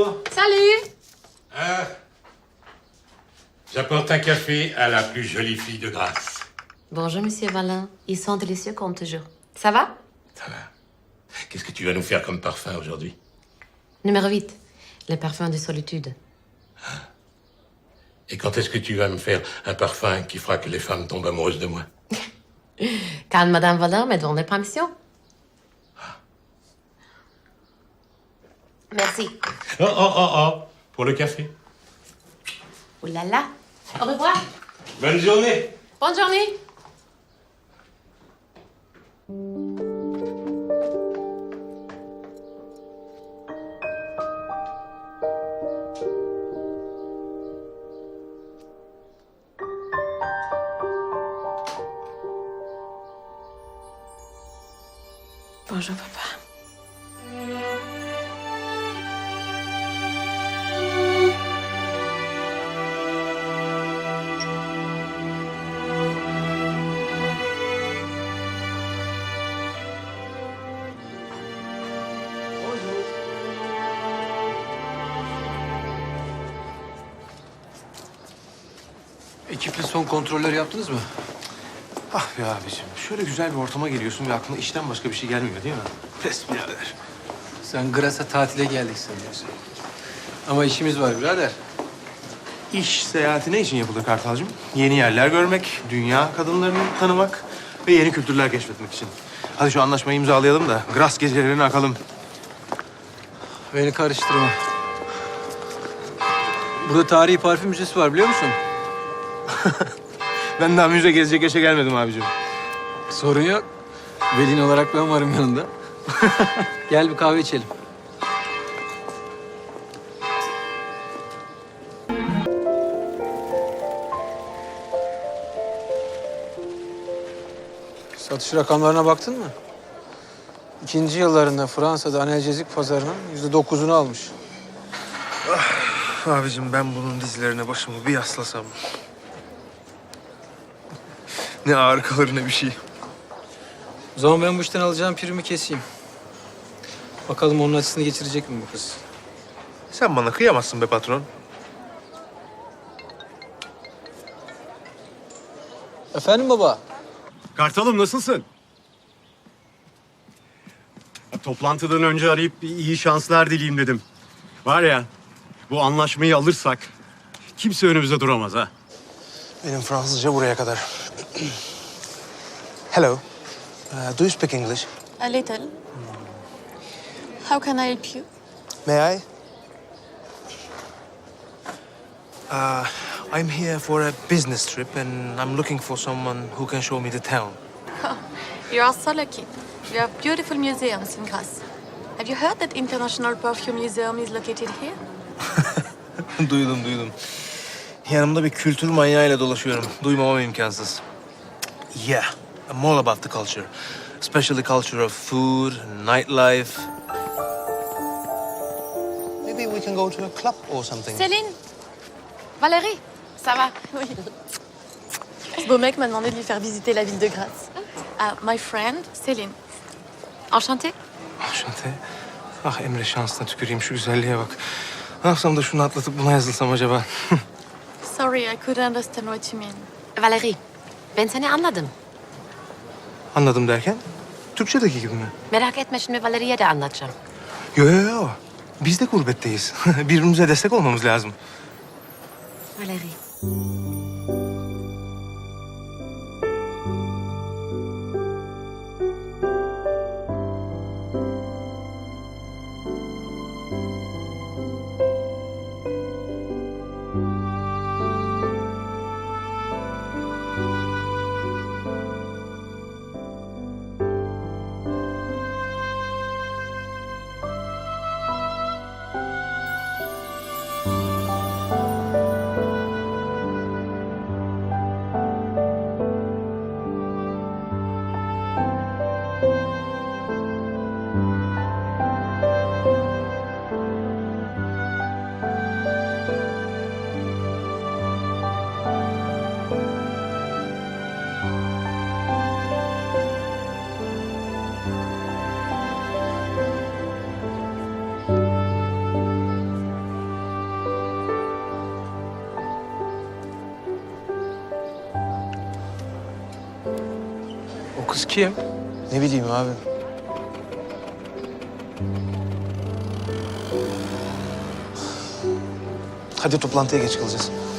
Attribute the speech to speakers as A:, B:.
A: Bonjour.
B: Salut.
A: Ah. J'apporte un café à la plus jolie fille de Grasse.
B: Bonjour, Monsieur Valin. Ils sont délicieux comme toujours. Ça va?
A: Ça va. Qu'est-ce que tu vas nous faire comme parfum aujourd'hui?
B: Numéro 8. Le parfum de solitude.
A: Et quand est-ce que tu vas me faire un parfum qui fera que les femmes tombent amoureuses de moi?
B: Quand Madame Valin me donne permission. Merci.
A: Oh. Pour le café.
B: Oh là là. Au revoir.
A: Bonne journée.
B: Bonne journée. Bonjour, papa.
C: Ekiple son kontrolleri yaptınız mı?
D: Ah be abiciğim, şöyle güzel bir ortama geliyorsun ve aklına işten başka bir şey gelmiyor değil mi? Pes birader.
C: Sen Gras'a tatile geldik sanıyorsun. Ama işimiz var birader.
D: İş seyahati ne için yapılır Kartalcığım? Yeni yerler görmek, dünya kadınlarını tanımak ve yeni kültürler keşfetmek için. Hadi şu anlaşmayı imzalayalım da Gras gecelerini akalım.
C: Beni karıştırma. Burada tarihi parfüm müzesi var biliyor musun?
D: Ben daha müze gezecek yaşa gelmedim abicim.
C: Sorun yok. Velin olarak ben varım yanında. Gel bir kahve içelim. Satış rakamlarına baktın mı? İkinci yıllarında Fransa'da analjezik pazarının %9'unu almış.
D: Abicim ben bunun dizlerine başımı bir yaslasam. Ne ağır kalır ne bir şey.
C: O zaman ben bu işten alacağım primi keseyim. Bakalım onun açısını geçirecek mi bu kız?
D: Sen bana kıyamazsın be patron.
C: Efendim baba?
E: Kartalım nasılsın? Ya, toplantıdan önce arayıp bir iyi şanslar dileyeyim dedim. Var ya, bu anlaşmayı alırsak kimse önümüzde duramaz ha.
D: Benim Fransızca buraya kadar. Hello. Do you speak English?
F: A little. How can I help you?
D: May I? I'm here for a business trip and I'm looking for someone who can show me the town.
F: You are so lucky. We have beautiful museums in Grasse. Have you heard that International Perfume Museum is located here?
D: Duydum. Yanımda bir kültür manyağıyla dolaşıyorum. Duymamam imkansız. Yeah, I'm all about the culture. Especially culture of food, nightlife. Maybe we can go to a club or something.
F: Céline? Valérie? Ça va? Oui. Ce beau mec m'a demandé de lui faire visiter la ville de Grasse. My friend, Céline. Enchantée?
D: Şante. Ah Emre şansına tüküreyim şu güzelliğe bak. Ne yapsam da şunu atlatıp buna yazılsam acaba?
F: Sorry, I couldn't understand what you mean.
B: Valérie, ben seni anladım.
D: Anladım derken? Türkçedeki gibi mi?
B: Merak etme, şimdi Valérie'ye de anlatacağım.
D: Yo. Biz de gurbetteyiz. Birbirimize destek olmamız lazım.
B: Valérie.
C: kız kim?
D: Ne bileyim abi. Hadi toplantıya geç kalacağız.